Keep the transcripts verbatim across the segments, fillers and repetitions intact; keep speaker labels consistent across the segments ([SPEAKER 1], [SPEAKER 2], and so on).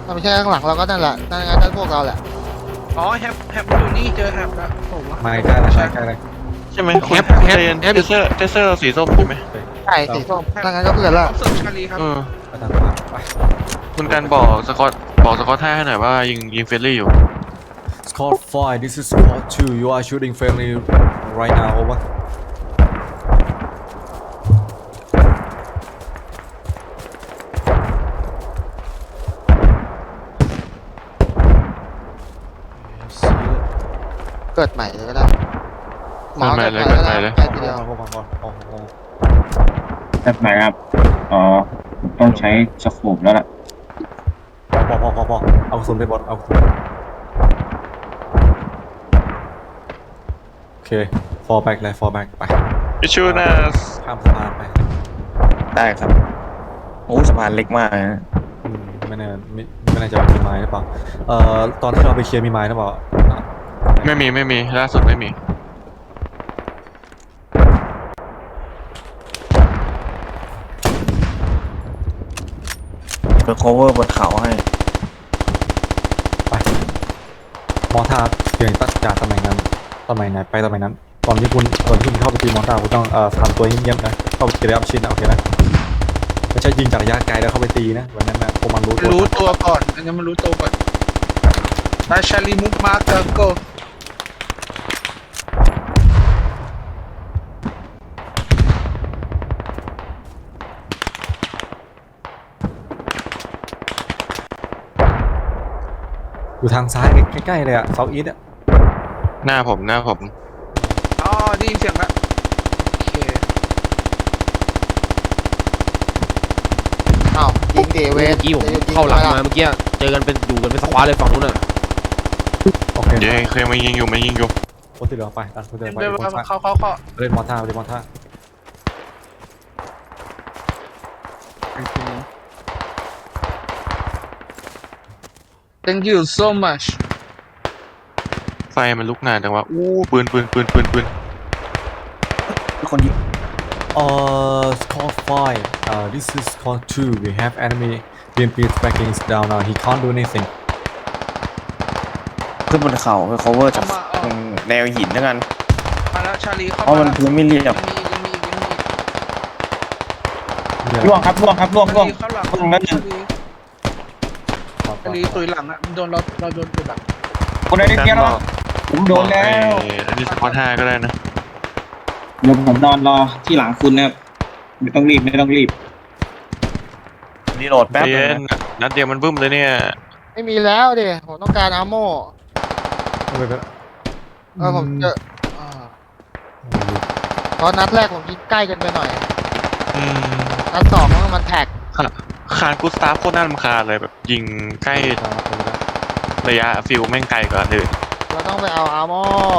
[SPEAKER 1] ถ้าไม่ใช่ข้างหลังเราก็นั่นแหละนั่นงั้นนั่นพวกเราแหละ
[SPEAKER 2] อ๋อแฮปแฮปอยู่นี่เจอแฮปแล้วผมว่า
[SPEAKER 3] มาใกล้ๆเลยมาใกล้ๆเลย
[SPEAKER 4] ใช่ไหม
[SPEAKER 5] แฮปแฮปแฮป
[SPEAKER 4] เทเซอร์เทเซอร์สีส้มใช่ไหม
[SPEAKER 1] ใช่สีส้มนั่นงั้นก็เพื่อนละ
[SPEAKER 2] ออฟเซิร์ฟชาลีครับ
[SPEAKER 4] เออ
[SPEAKER 3] ไปทางขวาไป
[SPEAKER 4] คุณการบอกสกอตบอกสกอตท่าให้หน่อยว่ายิงยิงเฟรนลี่อยู่
[SPEAKER 3] Squad five this is Squad two you are shooting friendly right now over See it
[SPEAKER 1] เกิดใหม่เลยก็ได้หมอ
[SPEAKER 4] เกิดใหม่เลย
[SPEAKER 1] เกิดใหม่
[SPEAKER 4] เกิดใหม่เลย
[SPEAKER 1] แค่ทีเดียว
[SPEAKER 3] พอพอพอพอพอ
[SPEAKER 6] แบบไหนครับ อ๋อผมต้องใช้สโคปแล้วล่ะ
[SPEAKER 3] พอพอพอพอเอากระสุนไปบอลเอากระสุนโอเค fall back เลย fall back ไป
[SPEAKER 4] อิชูนัส
[SPEAKER 3] ข้ามสะพานไป
[SPEAKER 5] ได้ครับโอ้สะพานเล็กมากนะ
[SPEAKER 3] อืมไม่แน่ไม่ไม่แน่ใจว่ามีไม้หรือเปล่าเอ่อตอนที่เราไปเคลียร์มีไม้หรือเปล่าอ่ะ
[SPEAKER 4] ไม่มีไม่มีล่าสุดไม่มี
[SPEAKER 5] เปิด cover บนเขาให้
[SPEAKER 3] ไปมอท่าเปลี่ยนตัดจากตำแหน่งนั้นตำแหน่งไหนไปตำแหน่งนั้นตอนที่คุณตอนที่คุณเข้าไปตีมอท่าคุณต้องเอ่อทำตัวเงียบๆนะเข้าไปเกลียบชินนะโอเคนะไม่ใช่ยิงจากระยะไกลแล้วเข้าไปตีนะวันนั้นนะพวกมันรู้ตัว
[SPEAKER 2] รู้ตัวก่อนอันนี้มันรู้ตัวก่อนไปชาลีมุกมาร์กโก
[SPEAKER 3] อยู่ทางซ้ายใกล้ๆเลยอะเซาท์อีสต์อะ
[SPEAKER 4] หน้าผมหน้าผม
[SPEAKER 2] อ๋อได้ยินเสียงแล้วโอเค
[SPEAKER 1] อ้าวยิงเดเว
[SPEAKER 5] เมื่
[SPEAKER 1] ส
[SPEAKER 5] อกี้ผมเข้าหลังมาเมื่อกี้เจอกันเป็นอยู่กันเป็นสควอตเลยฝั่งนู้นน่ะ
[SPEAKER 3] โอเค
[SPEAKER 4] เย้เคยมายิงอยู่มายิงอยู่
[SPEAKER 3] คนที่เหลือไปดันคนที่เหลือไป
[SPEAKER 2] เดิน
[SPEAKER 3] คน
[SPEAKER 2] มา
[SPEAKER 3] ซ้าย
[SPEAKER 2] เข้าเข้าเข้า
[SPEAKER 3] เล่นมอท่าเล่นมอท่า
[SPEAKER 2] thank you so much
[SPEAKER 4] ไฟมันลุกนานจังวะอู้ปืนปืนปืนปืนปืน
[SPEAKER 5] มีคนยิง
[SPEAKER 3] เอ่อ squad five uh this is squad two we have enemy B M P tracking is down now he can't do anything
[SPEAKER 5] ขึ้นบนเขาเพื่อ cover จากตรงแนวหินแล้วกัน
[SPEAKER 2] มาแล้วชาลีเข้า
[SPEAKER 5] เพราะ
[SPEAKER 2] มา
[SPEAKER 5] มัน
[SPEAKER 2] แล้ว
[SPEAKER 5] พื้นไม่เรียบ
[SPEAKER 2] ยังมียังมียังมี
[SPEAKER 3] เดี๋ยว
[SPEAKER 6] ล่วงครับล่วงครับล่วง
[SPEAKER 2] ชา
[SPEAKER 6] ล่วง
[SPEAKER 2] ลีเข้าหลัง
[SPEAKER 6] ล่วงแล้วหนึ่
[SPEAKER 2] ชาง ลีชาลีตุยหลังอ่ะโดนเราเราโดนตุยหลัง
[SPEAKER 6] คนไหนได้เพี้ยนแล้วผมโดนแล้ว
[SPEAKER 4] ไอ้อันนี้สกอตห้าก็ได้นะ
[SPEAKER 6] เดี๋ยวผมนอนรอที่หลังคุณนะครับไม่ต้องรีบไม่ต้องรีบ
[SPEAKER 5] รีโหลดแป๊บ
[SPEAKER 4] ใจ
[SPEAKER 5] นึ
[SPEAKER 4] เย็
[SPEAKER 5] ง
[SPEAKER 4] น
[SPEAKER 5] นะ
[SPEAKER 4] นัดเดียวมันบึ้มเลยเนี่ย
[SPEAKER 1] ไม่มีแล้วดิผมต้องการอาร์โม่
[SPEAKER 3] เอาไปไป
[SPEAKER 1] เออผมเจออ่าเพราะนัดแรกผมยิงใกล้กันไปหน่อย
[SPEAKER 4] อืม
[SPEAKER 1] นัดสองมันแท็ก
[SPEAKER 4] คานกูสตาฟโคตรน่ารำคาญเลยแบบยิงใกล้ระยะฟิลแม่งไกลกว่าอันอื่น
[SPEAKER 1] เราต้องไปเอาอาร์โม่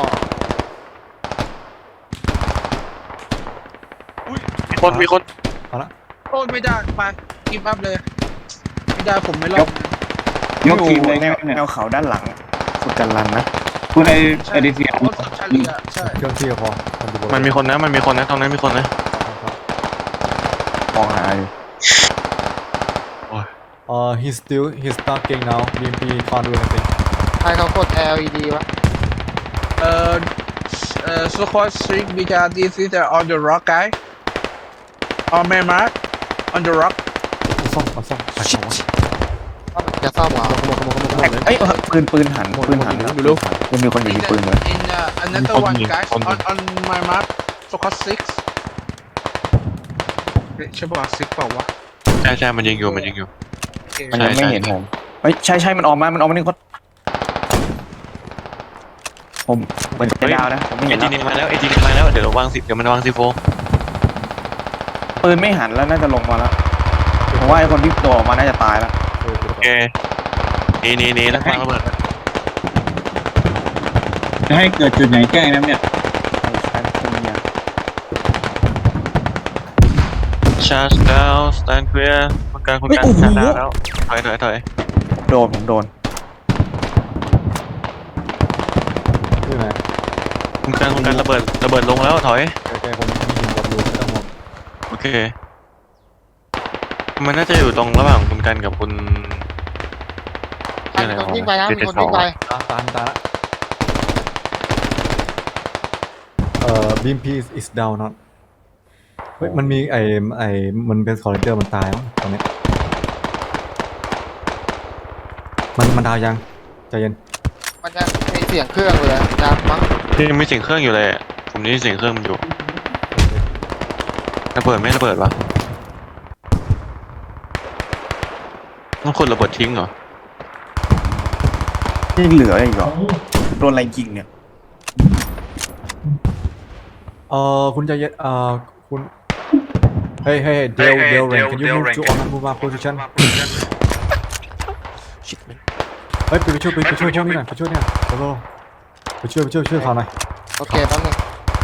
[SPEAKER 4] มีคนมีคน
[SPEAKER 3] เอาละ
[SPEAKER 2] โอ้ยไม่ได้ไปกิฟต์อัพเลยไม่ได้ผมไม่รอด
[SPEAKER 6] ยกทีมเลย
[SPEAKER 5] แนว
[SPEAKER 6] เนี่ย
[SPEAKER 5] แนวเขาด้านหลังคุณกันรันนะ
[SPEAKER 6] คุณไอ
[SPEAKER 2] ใช่
[SPEAKER 6] ไอเดเซีย
[SPEAKER 2] โอ้ยชาลีอ่ะใช่
[SPEAKER 3] เครื่องที่ก็พอมันดูบ
[SPEAKER 4] มันมีคนนะมันมีคนนะตรงนั้นมีคนนะ
[SPEAKER 5] มองหาอยู่
[SPEAKER 3] เอ่อ he's still he's talking now B M P can't do anything
[SPEAKER 1] ใครเขากด แอล อี ดี วะ
[SPEAKER 2] เอ่อเอ่อ squad six because this is the on the rock guy on my mark on the rock
[SPEAKER 3] เอาซ่อมเอาซ่อมไปเอาวะ
[SPEAKER 1] จะซ่อมเหรอ
[SPEAKER 5] เอ้ยปืนปืนหันปืนหันนะดูลูกยังมีคนอยู่
[SPEAKER 2] in
[SPEAKER 5] ที่
[SPEAKER 2] the,
[SPEAKER 5] ปืนเลย
[SPEAKER 2] in uh, another one guys on on my mark squad six เอ๊ะใช่ป่ะ six เปล่าวะ
[SPEAKER 4] ใช่ใช่มันยิงอยู่มันยิงอยู่
[SPEAKER 2] โอเค
[SPEAKER 5] มันยังไม่เห็นผมเฮ้ยใช่ใช่มันออกมามันออกมาหนึ่งคนผมเหมือนจะดาวนะผมไม่
[SPEAKER 4] เอ
[SPEAKER 5] เห็น
[SPEAKER 4] จิ
[SPEAKER 5] แล้ว
[SPEAKER 4] เนียมาแล้วเอจิเนียมาแล้วเดี๋ยวเราวางสิบเดี๋ยวมันวางซีโฟ
[SPEAKER 5] ปืนไม่หันแล้วน่าจะลงมาแล้วผมว่าไอ้คนที่ตัวออกมาน่าจะตายแล้ว
[SPEAKER 3] เออ
[SPEAKER 4] โอเคหนี่นี่นี่แล้ววางระเบิด
[SPEAKER 6] จะให้เกิดจุดไหนแจ้งนะเนี่ย
[SPEAKER 5] ใช่ใช่เป็นยา
[SPEAKER 4] ชาร์จดาวสแตนเคลียร์คนกลางคนกลางชาร์จดาวแล้วถอยถอยถอย
[SPEAKER 5] โดนผมโดน
[SPEAKER 3] ที่ไหน
[SPEAKER 4] คนกลางคนกลางระเบิดระเบิดลงแล้วถอย
[SPEAKER 3] ใกล้ๆผมมีหินบดอยู่ไม่ต้องห่วง
[SPEAKER 4] โอเคมันน่าจะอยู่ตรงระหว่างคุณกันกับคุณ
[SPEAKER 1] อ่ะมีคนวิ่งไปนะมีคนวิ่งไป
[SPEAKER 3] ตามตามตามละเอ่อบีมพี is down เนาะเฮ้ยมันมีไอ้ไอ้มันเป็นคอร์เรนเจอร์มันตายมั้งตอนเนี้ยมันมันดาวยังใจเย็น
[SPEAKER 1] มันจะมีเสียงเครื่องเลยดังมั้ง
[SPEAKER 4] ที่ยังมีเสียงเครื่องอยู่เลยอะผมนี่เสียงเครื่องมันอยู่ระเบิดไม่ระเบิดวะต้องคนระเบิดทิ้งเหรอ
[SPEAKER 5] ยังเหลืออีกเหรอโดนอะไรยิงเนี่ย
[SPEAKER 3] เอ่อคุณใจเย็นเอ่อคุณเฮ้ยเฮ้ยเดลเดลเรน can you move to on move my position เฮ้ยไปช่วยไปช่วยพวกนี้หน่อยไปช่วยเนี่ยโซโล่ไปช่วยไปช่วยช่วยเขาหน่อย
[SPEAKER 1] โอเคแป๊บนึง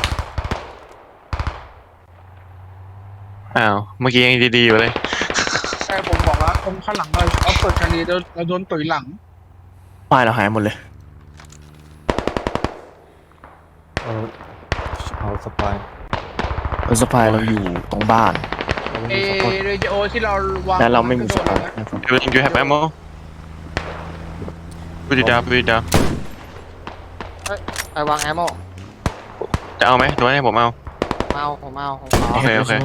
[SPEAKER 4] อ้าวเมื่อกี้ยังดีๆอยู่เลย
[SPEAKER 2] ใช่ผมบอกแล้วตรงข้างหลังเราเอาเปิดชาลีเราเราโดนตุ๋ยหลัง
[SPEAKER 5] ป้ายเราหายหมดเลย
[SPEAKER 3] เออเอาสปาย
[SPEAKER 5] รถสปายเราอยู่ตรงบ้าน
[SPEAKER 2] เอเรดิโอที่เราวาง
[SPEAKER 5] และเราไม่มีสปาย
[SPEAKER 4] You you have ammo put it down put it down
[SPEAKER 1] ไปวางแอมโม
[SPEAKER 4] จะเอาไหมหรือว่าให้ผมเอา
[SPEAKER 1] เมาผมเมาผมขอ
[SPEAKER 4] โอเคโอเค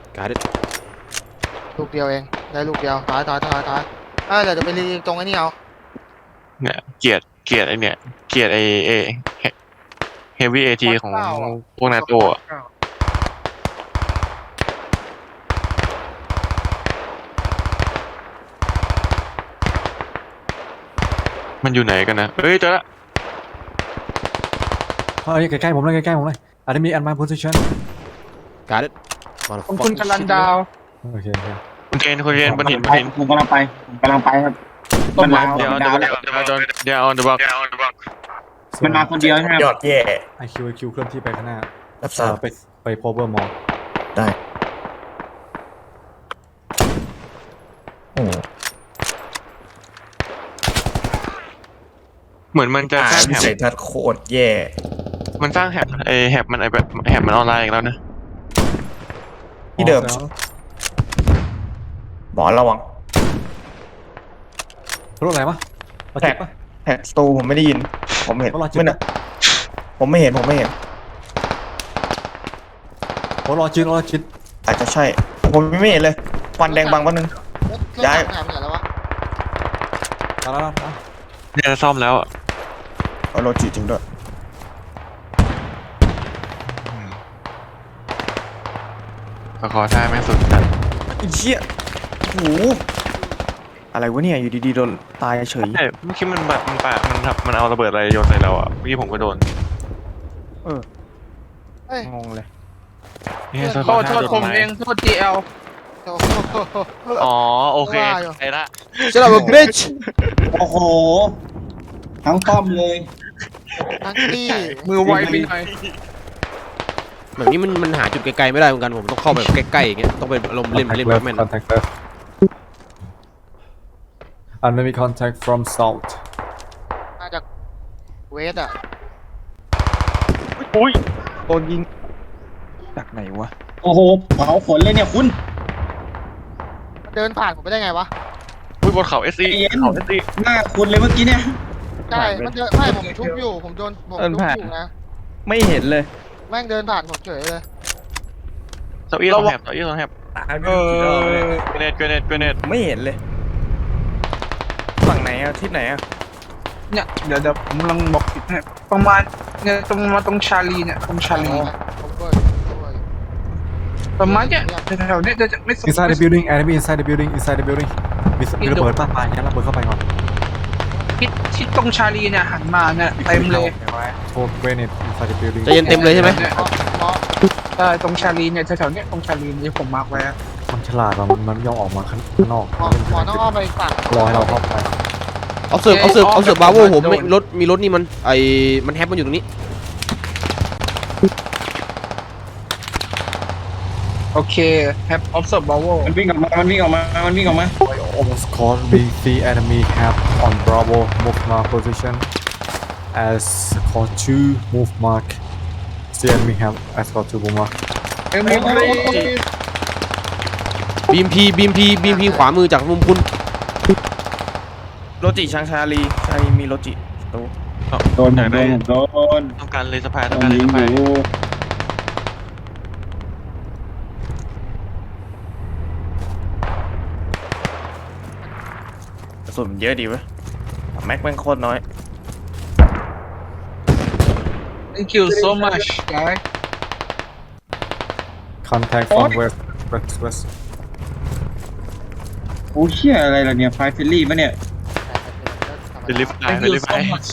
[SPEAKER 1] ลูกเดียวเองได้ลูกเดียวถอยถอยถอยถอยเออเดี๋ยวจะไปรีตรงไอ้นี่เอา
[SPEAKER 4] เนี่ยเกลียดเกลียดไอเนี่ยเกลียดไอเอเฮฟวี่เอทีของพวกนาโต้อะมันอยู่ไหนกันนะเฮ้ยเจอละ
[SPEAKER 3] เฮ้ยใกล้ๆผมเลยใกล้ๆผมเลยอาจจะมี at my position
[SPEAKER 2] ขอบคุณกลันดาว
[SPEAKER 3] โอเคโอเค
[SPEAKER 4] คุณเจนคุณเจนบนหินบนหิน
[SPEAKER 6] ผมกำลังไปผมกำลังไปครับ มันมา
[SPEAKER 4] เดี๋ยว
[SPEAKER 6] มัน
[SPEAKER 4] เดี๋ยว
[SPEAKER 6] มา
[SPEAKER 4] เดี๋ยวเดี๋ยวเดี๋ยว on the block
[SPEAKER 6] มันมาคนเดียวใช่ไหม
[SPEAKER 5] ยอดแย่
[SPEAKER 3] ไอคิวไอคิวเคลื่อนที่ไปข้างหน้า
[SPEAKER 5] รับท
[SPEAKER 3] เอ
[SPEAKER 5] รา
[SPEAKER 3] อบ ไปไป power mall
[SPEAKER 5] ได้ โอ้
[SPEAKER 4] เหมือนมันจะสร้าง
[SPEAKER 5] วิ
[SPEAKER 4] แฮ
[SPEAKER 5] สัย
[SPEAKER 4] บ
[SPEAKER 5] ทัศน์โคตรแย่
[SPEAKER 4] มันสร้างแฮบไอแฮบมันไอแบบแฮบมันออนไลน์อีกแล้วนะ
[SPEAKER 5] ที่เดิมหมอระวัง
[SPEAKER 3] รถอะไรวะรถเจ็บปะ
[SPEAKER 5] แท็กสตูผมไม่ได้ยิน ผมเห็น
[SPEAKER 3] รถรอจิต
[SPEAKER 5] ไม่นะผมไม่เห็นผมไม่เห็น
[SPEAKER 3] รถรอจิตรถรอจิต
[SPEAKER 5] อาจจะใช่ ผมไม่เห็นเลยควันแดงบางวันนึง ย้าย
[SPEAKER 1] ถามหน่อยแล้ววะ
[SPEAKER 3] ตายแล้วตาย
[SPEAKER 4] เนี่ยจะซ่อมแล้วอะ
[SPEAKER 5] เอาโลจิจริงด้วย
[SPEAKER 4] ก็ขอท่าแม่งสุดกัน
[SPEAKER 5] ไอ้เชี่ยโอ้โหอะไรวะเนี่ยอยู่ดีๆโดนตายเฉย
[SPEAKER 4] ใช่เมื่อกี้มันแบบมันปะมันทำมันเอาระเบิดอะไรโยนใส่เราอ่ะเมื่อกี้ผมก็โดน
[SPEAKER 5] เออ
[SPEAKER 1] เฮ้ย
[SPEAKER 5] งงเลย
[SPEAKER 4] เนี่ยข
[SPEAKER 2] โท
[SPEAKER 4] อ
[SPEAKER 2] ษโท
[SPEAKER 4] ท่า
[SPEAKER 2] ษ
[SPEAKER 4] โดน
[SPEAKER 2] ผม
[SPEAKER 4] ไม้
[SPEAKER 2] เองโทษ จี แอล
[SPEAKER 1] โอ้โห
[SPEAKER 4] อ๋อโอเค
[SPEAKER 1] ว่าอยู่
[SPEAKER 4] ไอ้ละ
[SPEAKER 7] Shut up, bitch!
[SPEAKER 6] โอ้โห ทั้งป้อมเลย
[SPEAKER 1] ทั้งที่
[SPEAKER 2] มือไวไปหน่อย
[SPEAKER 7] แบบนี้มันมันหาจุดไกลๆไม่ได้เหมือนกันผมต้องเข้าไปใกล้ๆอย่างเงี้ยต้องเป็นอารมณ์เล่นเล่นแบทแมน
[SPEAKER 3] contact left enemy contact from south
[SPEAKER 1] มาจากเวสอ่ะ
[SPEAKER 4] อุ้ย
[SPEAKER 5] โดนยิงจากไหนวะ
[SPEAKER 6] โอ้โหเผาขนเลยเนี่ยคุณ
[SPEAKER 1] มันเดินผ่านผมไปได้ไงวะ
[SPEAKER 4] อุ้ยบนเขาเอสซี
[SPEAKER 6] ใจเย็น
[SPEAKER 4] เขาเอสซี
[SPEAKER 6] หน้าคุณเลยเมื่อกี้เนี่ย
[SPEAKER 1] ใช่มันเดินไม่ผมชุบอยู่ผมโดนผมชุบอยู่นะ
[SPEAKER 5] ไม่เห็นเลย
[SPEAKER 1] แม่งเดินผ่านผมเฉยเลย
[SPEAKER 4] เก้าอี้ต้องแฮบเก้าอี้ต้องแฮบ
[SPEAKER 5] ตายไม่
[SPEAKER 2] เอ
[SPEAKER 5] รู้กี่รอบเลย
[SPEAKER 2] อ
[SPEAKER 4] เกรเนตเกรเนตเกรเนต
[SPEAKER 5] ไม่เห็นเลย ฝั่งไหนอะทิศไหนอะ
[SPEAKER 2] เนี่ยเดี๋ยวเดี๋ยวผมกำลังบอกผิดให้ประมาณเนี่ยตรงมาตรงชาลีเนี่ยตรงชาลี
[SPEAKER 1] ผมเบิร์ผมเบิร์
[SPEAKER 2] ประมาณเนี่ยแถวๆเนี้ยจะไม่สุด
[SPEAKER 3] inside the building enemy inside the building inside the building มีมีระเบิดป้าปลายงั้นระเบิดเข้าไปก่อน
[SPEAKER 2] ทิศทิศตรงชาลีเนี่ยหันมาเนี่ยเต็มเลย
[SPEAKER 3] โทษ grenade inside the building
[SPEAKER 7] ใจเย็นเต็มเลยใช่ไหม
[SPEAKER 2] นี่
[SPEAKER 1] หมอหมอ
[SPEAKER 2] ใช่ตรงชาลีเนี่ยแถวๆเนี้ยตรงชาลีที่ผมมาร์กไว้อะ
[SPEAKER 3] มันฉลาดว่ะมันมันไม่ยอมออกมาข้างนอก
[SPEAKER 1] หมอหมอต้องอ้อมไปฝั่ง
[SPEAKER 3] รอให้เราเข้าไป
[SPEAKER 7] เอาเสิร์ฟเอาเสิร์ฟเอาเสิร์ฟบาโวผมไม่รถมีรถนี่มันไอมันแฮปมันอยู่ตรงนี้
[SPEAKER 2] โอเค have observed Bravo
[SPEAKER 6] มันวิ่งออกมา มันวิ่งออกมา มันวิ่งออกมา
[SPEAKER 3] almost caught we see enemy have on Bravo move mark position as call two move mark see enemy have as call two move mark
[SPEAKER 2] เอ็มพี
[SPEAKER 7] บีมพีบีมพีบีมพีขวามือจากมุมคุณ
[SPEAKER 2] ร
[SPEAKER 5] รจิช้างชาลีชาลีมีรจิตัว
[SPEAKER 6] โดนผมโดนผมโดน
[SPEAKER 4] ต้องการเลยสะพาย
[SPEAKER 6] โด
[SPEAKER 4] ต้อง
[SPEAKER 6] น
[SPEAKER 4] การเลย
[SPEAKER 6] ยิง
[SPEAKER 4] สะ
[SPEAKER 6] อ
[SPEAKER 4] พาย
[SPEAKER 6] ยู่
[SPEAKER 5] กระสุนมันเยอะดีเว้ยแม็กแม่งโคตรน้อย
[SPEAKER 2] thank you so much guy
[SPEAKER 3] contact from west west west
[SPEAKER 6] โอ้เชี่ยอะไรล่ะเนี่ยไฟฟิลลี่ปะเนี่ย
[SPEAKER 4] เดลิฟไฟ
[SPEAKER 2] thank
[SPEAKER 4] เด
[SPEAKER 2] you
[SPEAKER 4] ลิฟไฟ
[SPEAKER 2] so much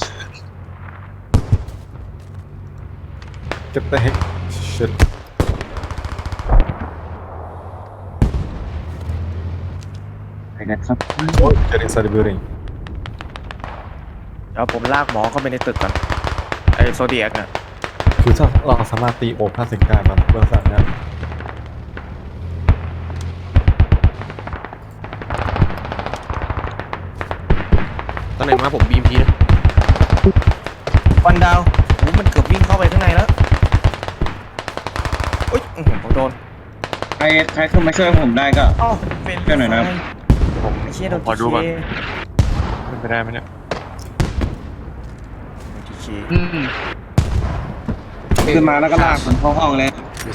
[SPEAKER 3] get the heck shit
[SPEAKER 6] ไปกันครับ
[SPEAKER 3] get inside the building
[SPEAKER 5] เดี๋ยวผมลากหมอเข้าไปในตึกก่อนไอโซเดียกอ่ะ
[SPEAKER 3] คือถ้าเราสามารถตีโอบห้าสิบได้มันเรื่องสั่งนะ
[SPEAKER 7] ตอนไหนมาผมบีมทีนะ
[SPEAKER 5] วันดาวโอ้มันเกือบวิ่งเข้าไปข้างในแล้วอุ้ยอื้อหือผมโดน
[SPEAKER 6] ใครใครขึ้นมาช่วยผมได้ก็
[SPEAKER 5] อ๋อเป็น
[SPEAKER 6] ช่วยหน่อยนะครับ
[SPEAKER 4] ผม
[SPEAKER 5] ไอ้เชี่ยโดน
[SPEAKER 4] ขอดูก่อน
[SPEAKER 5] ที
[SPEAKER 4] เป็นไปได้ไหมเนี่ย
[SPEAKER 5] เค
[SPEAKER 2] อืม
[SPEAKER 6] ขึ้นมาแล้วก็ลากผมเข้าห้องเลย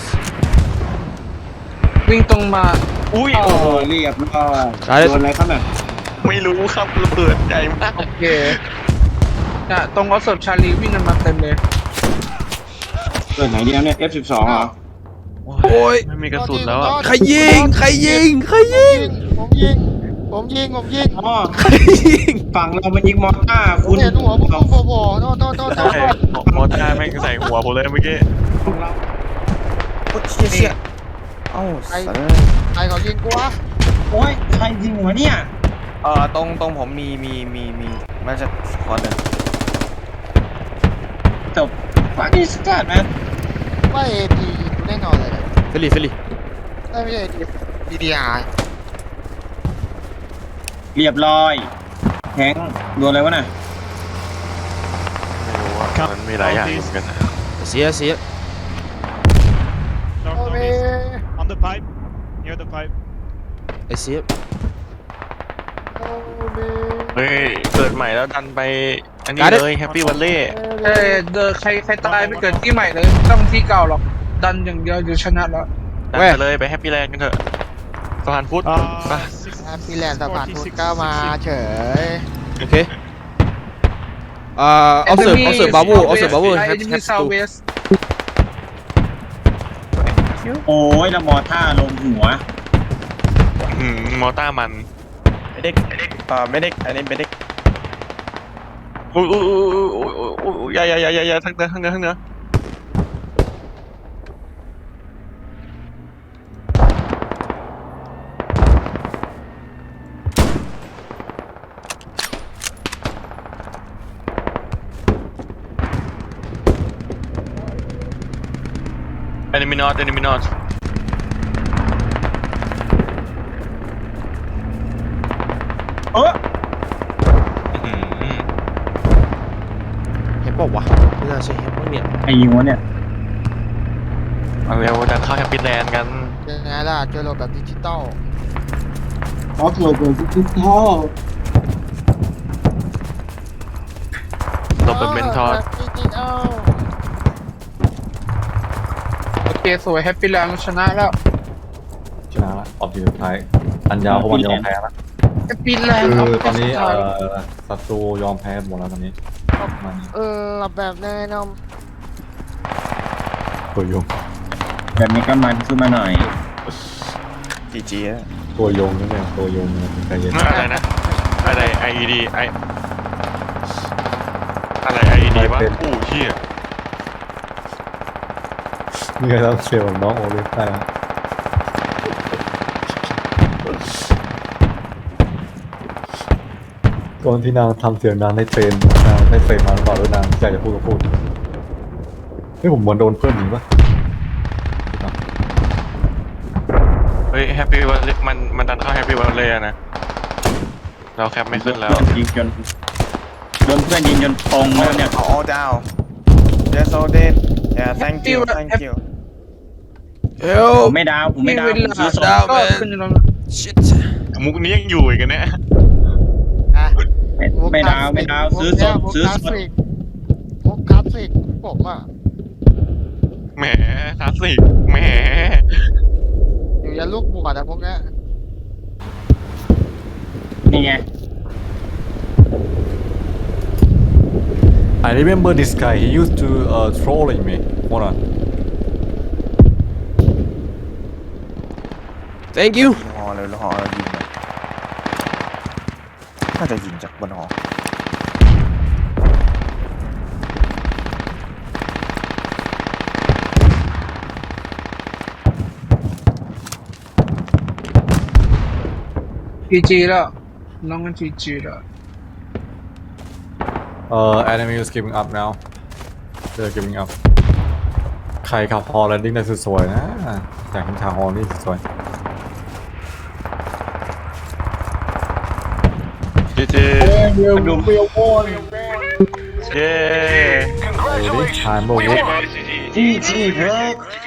[SPEAKER 2] วิ่งตรงมา
[SPEAKER 4] อุ้ย
[SPEAKER 6] โอ้โหเรียบร้อยโดนอะไรครับเนี่ย
[SPEAKER 4] ไม่รู้ครับระเบิดใหญ่มาก
[SPEAKER 2] โอเคน่ะตรงออฟเซิร์ฟชาลีวิ่งกันมาเต็มเลย
[SPEAKER 6] เกิดไหนดีนะเนี่ย เอฟ สิบสอง เหรอ
[SPEAKER 7] โอ้ย
[SPEAKER 4] ไม่มีกระสุนแล้วอะ
[SPEAKER 7] ใครยิงใครยิงใครยิง
[SPEAKER 1] ผมยิงผมยิงผมยิง
[SPEAKER 6] อ๋อ
[SPEAKER 7] ใครยิง
[SPEAKER 6] ฝั่งเรามันยิงมอร์ต้า
[SPEAKER 1] ผ
[SPEAKER 6] คุ
[SPEAKER 1] ม
[SPEAKER 6] ณ
[SPEAKER 1] เห็นหัวผมโผล่โผล่โน่นโน่นโน่นโน่
[SPEAKER 4] ใช่
[SPEAKER 1] น
[SPEAKER 4] มอต้าแม่งใส่หัวผมเลยเมื่อกี้
[SPEAKER 5] โอ้ยเชี่ยเชี่ยเอ้าสัตว์
[SPEAKER 1] ใครเขายิงกูวะ
[SPEAKER 6] โอ้ยใครยิงวะเนี่ย
[SPEAKER 5] เออตรงตรงผมมีมีมีมีมาจากคอนหนึ่ง
[SPEAKER 6] จบฟังดิสกัดแมน
[SPEAKER 1] ว่าเอพีแน่นอนเลยนะ
[SPEAKER 7] เฟลิเฟลิ
[SPEAKER 1] ไม่ใช่ดีดีอาร์
[SPEAKER 6] เรียบร้อยแทงโดนอะไรวะน่ะ
[SPEAKER 4] ไม่รู้ว่ามันมีหลายอย่างเหมือนกันนะ
[SPEAKER 7] เสียเสีย
[SPEAKER 1] โอเค
[SPEAKER 8] On the pipe, near the pipe.
[SPEAKER 7] ไอเสีย
[SPEAKER 1] โอเค
[SPEAKER 4] เฮ้ยเกิดใหม่แล้วดันไปอันนี้เลยแฮปปี้วันเล่
[SPEAKER 2] เออเดอใครใครตายไม่เกิดที่ใหม่เลยไม่ต้องที่เก่าหรอกดันอย่างเดียวเดี๋ยวชนะแล้ว
[SPEAKER 4] ดันไปเลยไปแฮปปี้แลนด์กันเถอะสะพานพุทธ
[SPEAKER 8] Uh,
[SPEAKER 4] ไป
[SPEAKER 1] แอปปี้แลนด์สะพานพุทธก็มาเฉย
[SPEAKER 7] โอเคเอ่อเอาเสิร์ฟเอาเสิร์ฟบาวูเอาเสิร์ฟบาวู
[SPEAKER 2] ไอ้
[SPEAKER 7] แฮป
[SPEAKER 2] นี่
[SPEAKER 7] แฮ
[SPEAKER 2] มี
[SPEAKER 7] ป
[SPEAKER 2] ซาว
[SPEAKER 7] ตู
[SPEAKER 2] เวส
[SPEAKER 6] โอ้ยแล้วมอร์ต้าลงหัว
[SPEAKER 4] อืมมอต้ามัน
[SPEAKER 5] ไม่ได้ไม่ได้เออไม่ได้อันนี้ไม่ได้
[SPEAKER 4] อุ้ยอุ้ยอุ้ยอุ้ยอุ้ยอุ้ยอย่าอย่าอย่าอย่าอย่าทั้งเนื้อทั้งเนื้อทั้งเนื้อ enemy not enemy not
[SPEAKER 6] เออ
[SPEAKER 4] อื้อหือ
[SPEAKER 7] เห็นบอกวะไม่น่าใช่เห็นบ้างเนี่ย
[SPEAKER 6] ไอ้ยิงวะเนี่ย
[SPEAKER 4] เอาเร็วดันเข้าแฮปปี้แลนด์กัน
[SPEAKER 1] ยังไงล่ะเจอโลแบบดิจิตอล
[SPEAKER 6] ออฟโหลดแบบดิจิตอล
[SPEAKER 4] หลบแบบเมนทอร์
[SPEAKER 1] ดิจิตอล
[SPEAKER 2] โอเคสวยแฮปปี้แลนด์ชนะแล้ว
[SPEAKER 3] ชนะละออบจีสุดท้ายอันยาวเพราะวันยอมแพ้ละ
[SPEAKER 2] แฮปปี้แลนด์
[SPEAKER 3] คือตอนนี้เอ่อศัตรูยอมแพ้หมดแล้วตอนนี้มัน
[SPEAKER 1] เออแบบแน่นอน
[SPEAKER 3] ตัวยง
[SPEAKER 6] แบบนี้ก็มันขึ้นมาหน่อย
[SPEAKER 5] จีจีอะ
[SPEAKER 3] ตัวยงนี่เองตัวยงเนี่ยใจเย็น
[SPEAKER 4] อะไรนะอะไร ไอ อี ดี ไออะไร ไอ อี ดี วะอู้เชี่ย
[SPEAKER 3] นี่ก็ต้องเชียร์น้องโอลิฟได้นะก่อนที่นางทำเสียงนางได้เทรนนางได้เทรนมาหรือเปล่าหรือนางอยากจะพูดก็พูดเฮ้ยผมเหมือนโดนเพื่อนหนีปะ
[SPEAKER 4] เฮ้ยแฮปปี้วันมันมันดันเข้าแฮปปี้วันเลยนะเราแคปไม่ขึ้นแล้ว
[SPEAKER 6] ยิงจนโดนเพื่อนยิงจนตรงแล้วเนี่ย
[SPEAKER 5] อ๋อดาว Yes all dead Yeah thank you thank you
[SPEAKER 7] เฮล
[SPEAKER 6] ผมไม่ดาวผมไม่ดาว
[SPEAKER 2] เว
[SPEAKER 6] ผม
[SPEAKER 2] ลา
[SPEAKER 6] ซื้อส
[SPEAKER 2] ดา
[SPEAKER 6] อ
[SPEAKER 2] ว
[SPEAKER 6] ง
[SPEAKER 2] ก็ขึ้นแล้ว
[SPEAKER 7] ชิต
[SPEAKER 4] มุกนี้ยังอยู่อีกกันเนี่ย
[SPEAKER 1] อ่ะ
[SPEAKER 6] ไม่
[SPEAKER 1] ก
[SPEAKER 6] ไม่ดาวไม่ดาว
[SPEAKER 1] พวก
[SPEAKER 6] ซื้อส
[SPEAKER 1] เนี้ย
[SPEAKER 6] ด
[SPEAKER 1] พวก
[SPEAKER 6] ซื้อ
[SPEAKER 1] คลาส
[SPEAKER 6] สด
[SPEAKER 1] สิกพวกคลาสสิกผมอ่ะ
[SPEAKER 4] แหมคลาสสิกแหม
[SPEAKER 1] อยู่ยันลูกบวชอะพวกเนี้ย
[SPEAKER 6] นี่ไง
[SPEAKER 3] I remember this guy he used to uh trolling me hold on
[SPEAKER 7] thank you
[SPEAKER 5] ยิงหอเลยแล้วหอเรายิงเลยน่าจะยิงจากบนหอ
[SPEAKER 2] จีจีแล้วน้องมันจีจีแล้ว
[SPEAKER 3] uh enemy is giving up now they're giving up ใครขับฮอลแลนดิ้งได้สวยๆนะอยากเห็นทางฮอลนี่สวย
[SPEAKER 4] เจเจ
[SPEAKER 6] มาดูเปรี้ยวโว้ย
[SPEAKER 4] เย้
[SPEAKER 3] ๆดูดิทายเมื่อวุ
[SPEAKER 6] จี้จี้เพิร์ก